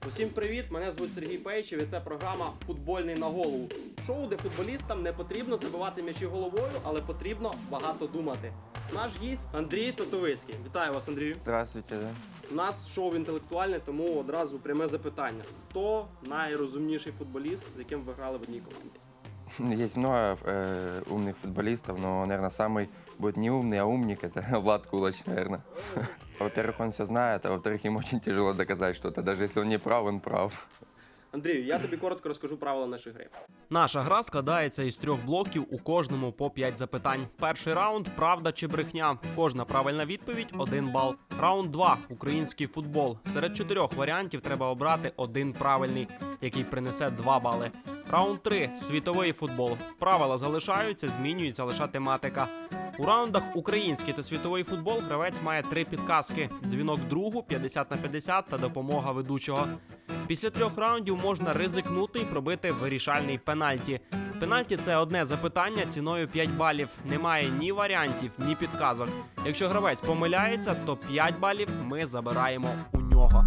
Усім привіт! Мене звуть Сергій Пейчев і це програма «Футбольний на голову». Шоу, де футболістам не потрібно забивати м'ячі головою, але потрібно багато думати. Наш гість Андрій Тотовицький. Вітаю вас, Андрію. Здравствуйте, да. У нас шоу інтелектуальне, тому одразу пряме запитання. Хто найрозумніший футболіст, з яким ви грали в одній команді? Есть много умных футболистов, но, наверное, самый будет не умный, а умник — это Влад Кулач, наверное. Во-первых, он все знает, а во-вторых, ему очень тяжело доказать что-то. Даже если он не прав, он прав. Андрію, я тобі коротко розкажу правила нашої гри. Наша гра складається із 3 блоків, у кожному по 5 запитань. Перший раунд – правда чи брехня. Кожна правильна відповідь – 1 бал. Раунд 2 – український футбол. Серед 4 варіантів треба обрати один правильний, який принесе 2 бали. Раунд 3 – світовий футбол. Правила залишаються, змінюється лише тематика. У раундах український та світовий футбол гравець має 3 підказки – дзвінок другу, 50/50 та допомога ведучого. Після 3 раундів можна ризикнути і пробити вирішальний пенальті. Пенальті – це одне запитання ціною 5 балів. Немає ні варіантів, ні підказок. Якщо гравець помиляється, то 5 балів ми забираємо у нього.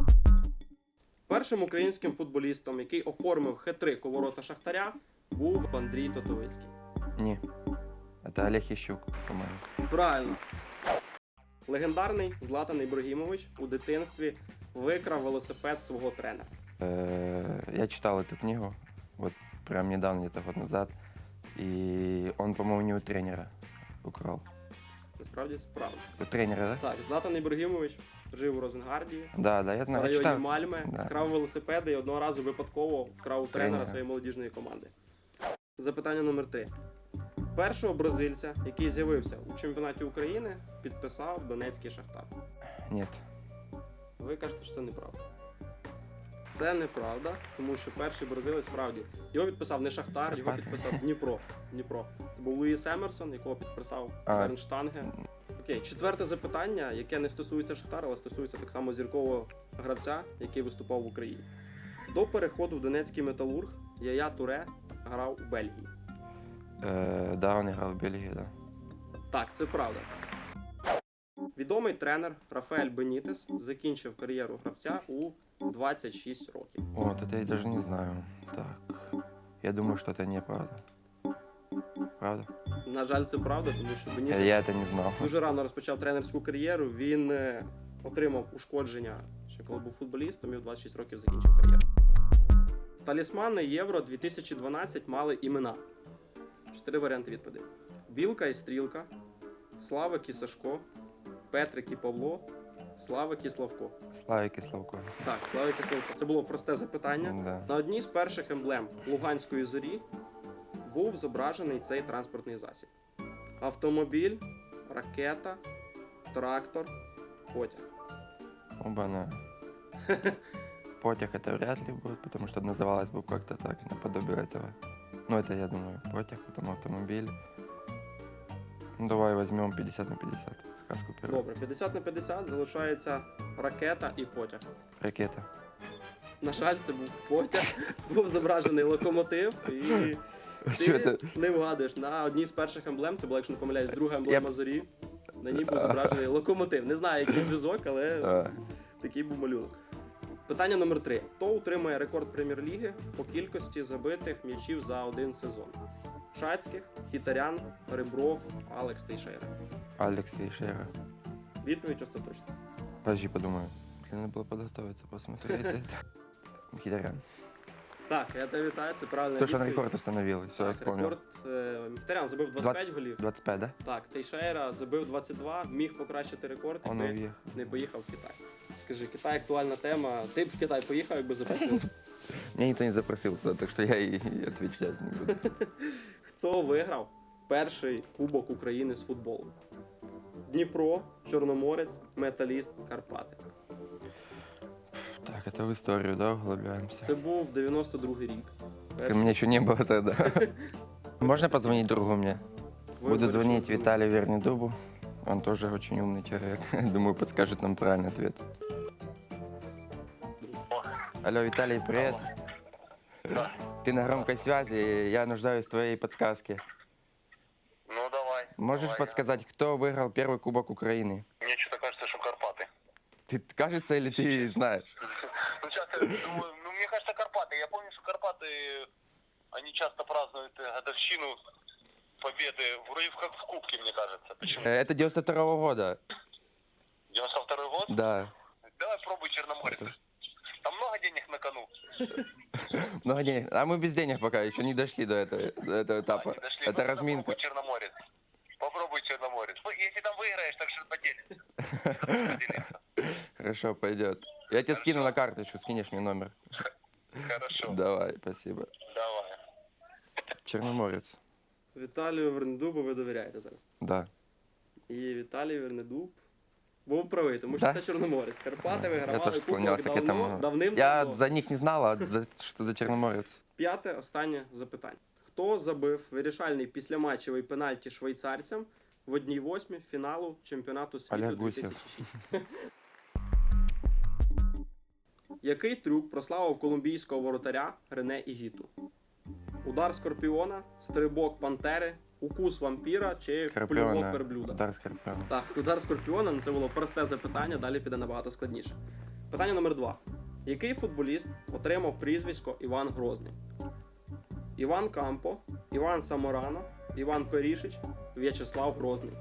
Першим українським футболістом, який оформив хет-трик у ворота Шахтаря, був Андрій Тотовицький. Не, это Олег Ящук, по-моему. Правильно. Легендарний Златан Ібрагімович у дитинстві викрав велосипед свого тренера. Я читал эту книгу, вот прям недавно, где-то год назад, и он, по-моему, не у тренера украл. Насправді це правда. У тренера, да? Так, Златан Ібрагімович жив у Розенгарді, Да, я в знаю, я районі читал. Мальме, Да. крав велосипеди і одного разу випадково вкрав у тренера Тренера. своєї молодіжної команди. Запитання номер 3. Першого бразильця, який з'явився у чемпіонаті України, підписав Донецький Шахтар. Нет. Ви кажете, що це неправда. Це неправда, тому що перший бразилець справді. Його підписав не Шахтар, його Карпати. підписав Дніпро. Це був Луїс Емерсон, якого підписав А. Бернштанге. Окей, четверте запитання, яке не стосується Шахтара, але стосується так само зіркового гравця, який виступав в Україні. До переходу в Донецький Металург Яя Туре грав у Бельгії. Да, он играл в Бельгии, да. Так, це правда. Відомий тренер Рафаель Бенітес закінчив кар'єру гравця у 26 років. Вот, это я даже не знаю. Так, я думаю, что это неправда. Правда? На жаль, це правда, тому що Бенітес Я это не знал. дуже рано розпочав тренерську кар'єру. Він отримав ушкодження, ще коли був футболістом, і в 26 років закінчив кар'єру. Талісмани Євро 2012 мали імена. 4 варіанти відповідей. Білка і Стрілка, Славик і Сашко, Петрик і Павло, Славик і Славко. Славик и Славко. Так, Славик і Славко. Це було просте запитання. Да. На одній з перших емблем Луганської зорі був зображений цей транспортний засіб. Автомобіль, ракета, трактор, потяг. Оба-на. Потяг это вряд ли будет, потому что называлось бы как-то так, наподобие этого. Ну, это, я думаю, потяг, потом автомобиль. Ну, давай возьмем 50/50. Сказку первую. Добре, 50/50 залишається ракета і потяг. Ракета. На жаль, це був потяг, був зображений локомотив, і Що ти це? не вгадуєш. На одній з перших емблем, це була, якщо не помиляюсь, друга емблема зорі, на ній був зображений локомотив. Не знаю, який зв'язок, але А, такий був малюнок. Питання номер 3. Хто утримує рекорд Прем'єр-ліги по кількості забитих м'ячів за один сезон? Шацьких, Хітарян, Ребров, Алекс Тейшейра. Алекс Тейшера. Відповідь остаточна. Подожди, подумаю. Надо было подготовиться, посмотреть это. Мхитарян. Так, я тебе вітаю, це правильна То, что он відповідь. рекорд установил, все, я Так, вспомнил. рекорд Мхітарян забив 25 голів. 25, да? Так, Тейшейра забив 22, міг покращити рекорд, Он якби уехал. не поїхав в Китай. Скажи, Китай актуальна тема. Ти б в Китай поїхав, якби запросив? Меня никто не запросил туда, так что я и отвечать не буду. Хто виграв перший Кубок України з футболу? Дніпро, Чорноморець, Металіст, Карпати. Так, это в историю, да, углубляемся? Це був 92-й рік. У меня еще не было тогда. Можно позвонить другу мне? Буду звонить Виталию Вернидубу. Он тоже очень умный человек. Думаю, подскажет нам правильный ответ. Алло, Виталий, привет. Ты на громкой связи, я нуждаюсь в твоей подсказке. Ну давай. Можешь давай. подсказать, кто выиграл первый Кубок Украины? Мне что-то кажется, что Карпаты. Ты кажется или ты знаешь? Ну, сейчас я думаю, ну, мне кажется, Карпаты. Я помню, что Карпаты, они часто празднуют годовщину победы, вроде как в Кубке, мне кажется. Почему? Это 92-го года. 92-й год? Да. Давай пробуй Черноморец. Там много денег на кону. Много денег. А мы без денег пока еще не дошли до этого этапа. Они дошли. Это Ну, разминка. Попробуй Черноморец. Попробуй Черноморец. Ну, если там выиграешь, так что поделимся. Хорошо, пойдет. Я тебе скину на карточку, скинешь мне номер. Хорошо. Давай, спасибо. Давай. Черноморец. Віталію Вернедубу ви довіряєте зараз. Да. І Віталій Вернедуб був правий, тому що Да? це Чорноморець. Карпати Я вигравали тоже склонялся к кубок этому. Я давним-давно. за них не знал, а что за Черноморец. П'яте, останнє запитання. Хто забив вирішальний післяматчевий пенальті швейцарцям в 1/8 фіналу чемпіонату світу Олег Гусєв. 2006? Який трюк прославив колумбійського воротаря Рене Ігіту? Удар скорпіона, стрибок пантери, укус вампіра чи плювок Скорпиона. верблюда? Удар Скорпиона. Так, удар скорпіона, ну, це було просте запитання, далі піде набагато складніше. Питання номер 2. Який футболіст отримав прізвисько Іван Грозний? Іван Кампо, Іван Саморано, Іван Перішич, В'ячеслав Грозний.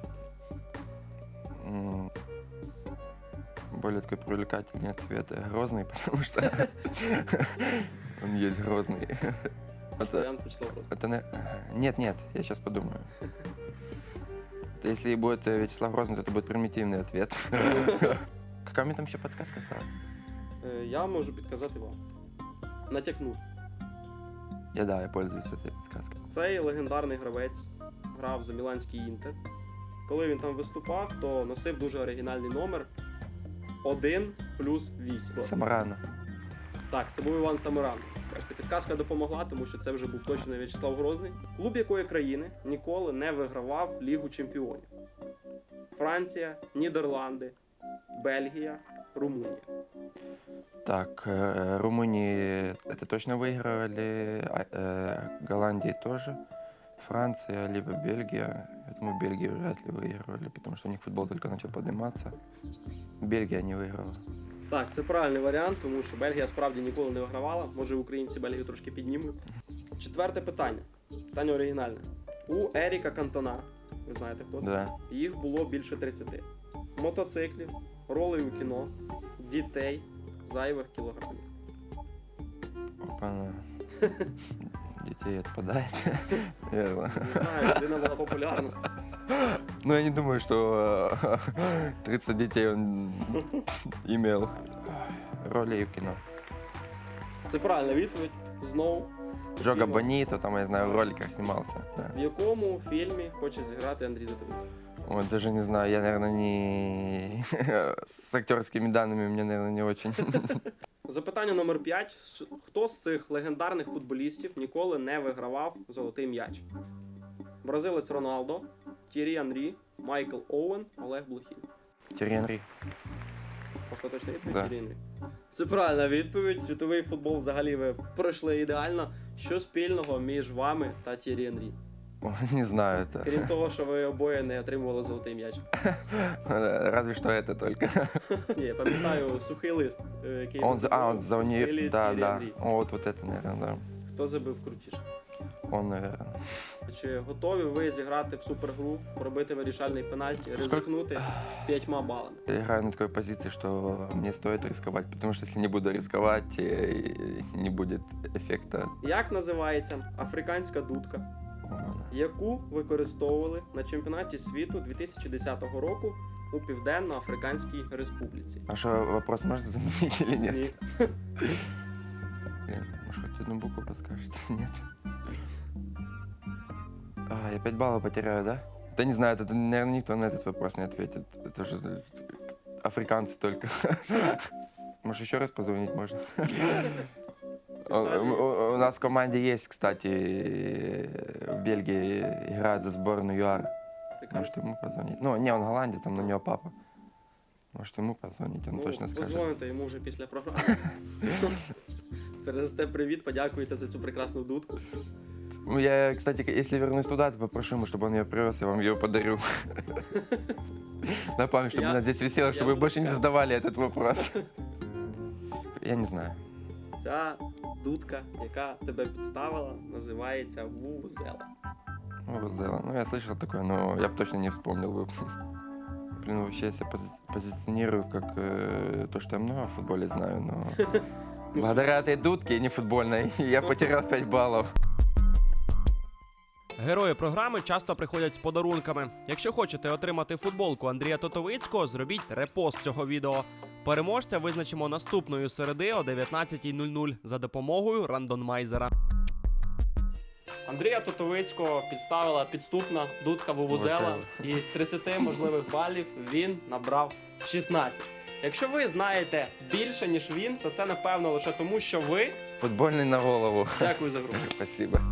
Более такой привлекательный ответ. Грозный, потому что он есть грозный. Это, Варіант В'ячеслав Грозний. это Нет, я сейчас подумаю. Это если будет Вячеслав Грозный, то это будет примитивный ответ. Какая мне там еще подсказка осталась? Я можу підказати вам. Натякну. Я пользуюсь этой подсказкой. Цей легендарний гравець грав за Міланський Інтер. Коли він там виступав, то носив дуже оригінальний номер 1+8. Самарано. Так, це був Іван Саморано. Бачите, підказка допомогла, тому що це вже був точно не В'ячеслав Грозний. Клуб якої країни ніколи не вигравав Лігу Чемпіонів? Франція, Нідерланди, Бельгія, Румунія. Так, Румынии это точно выигрывали, Голландии тоже, Франция, либо Бельгия. Я думаю, Бельгию вряд ли выигрывали, потому что у них футбол только начал подниматься. Бельгия не выиграла. Так, це правильний варіант, тому що Бельгія справді ніколи не вигравала. Може, українці Бельгію трошки піднімуть. Четверте питання. Питання оригінальне. У Еріка Кантона, ви знаєте хто це? Да. Їх було більше 30. Мотоциклів, ролей у кіно, дітей, зайвих кілограмів. Опа. Детей отпадает. Верно. Не знаю, людина була популярна. Ну, я не думаю, что 30 детей он имел. Роли в кино. Це правильна відповідь. Знову. Жога Фільму. Бонито, там, я знаю, в роликах снимался. Да. В якому фільмі хоче зіграти Андрій Дудовець? Ой, даже не знаю, я, наверное, не... С актерскими данными мне, наверное, не очень. Запитання номер 5. Хто з цих легендарних футболістів ніколи не вигравав золотий м'яч? Бразилець Роналдо, Т'єрі Анрі, Майкл Оуен, Олег Блохін. Тьерри Анри. Остаточна відповідь Да. Т'єрі Анрі. Це правильна відповідь. Світовий футбол взагалі ви пройшли ідеально. Що спільного між вами та Т'єрі Анрі? Ой, не знаю это. Крім того, що ви обоє не отримували золотий м'яч. Разве что это только. Ні, я пам'ятаю сухий лист, який Он ви за забили в стилі уни... Да, Т'єрі да. Анрі. О, вот это, наверное, да. Хто забив крутіше? Он, наверное. Чи готові ви зіграти в супергру, пробити вирішальний пенальті, ризикнути 5 балами? Я играю на такой позиции, что мне стоит рисковать, потому что если не буду рисковать, не будет эффекта. Як називається африканська дудка, яку використовували на чемпіонаті світу 2010 року у Південно-Африканській Республіці? А что, вопрос можно заменить или нет? Ні. Блин, может, хоть одну букву подскажете? Нет. А, я 5 баллов потеряю, да? Да не знаю, это, наверное, никто на этот вопрос не ответит. Это же африканцы только. Может, еще раз позвонить можно? У нас в команде есть, кстати, в Бельгии играет за сборную ЮАР. Может, ему позвонить? Ну, не, он голландец, но у него папа. Может, ему позвонить, он точно скажет. Позвоните йому вже після програми. Передасте привіт, подякуєте за цю прекрасну дудку. Ну, я, кстати, если вернусь туда, то попрошу ему, чтобы он ее привез, я вам ее подарю. На память, чтобы Я- она здесь висела, я чтобы вы буду больше не сказать. задавали этот вопрос. Я не знаю. Ця дудка, яка тебе підставила, називається вувузела. Ну, вот сделано. Ну, я слышал такое, но я бы точно не вспомнил бы. Блин, вообще я себя позиционирую как то, что я много в футболе знаю, но благодаря этой дудке, не футбольной, я потерял 5 баллов. Герої програми часто приходять з подарунками. Якщо хочете отримати футболку Андрія Тотовицького, зробіть репост цього відео. Переможця визначимо наступної середи о 19:00 за допомогою рандомайзера. Андрія Тотовицького підставила підступна дудка вувузела, і з 30 можливих балів він набрав 16. Якщо ви знаєте більше, ніж він, то це напевно лише тому, що ви... Футбольный на голову. Дякую за гру. Спасибо.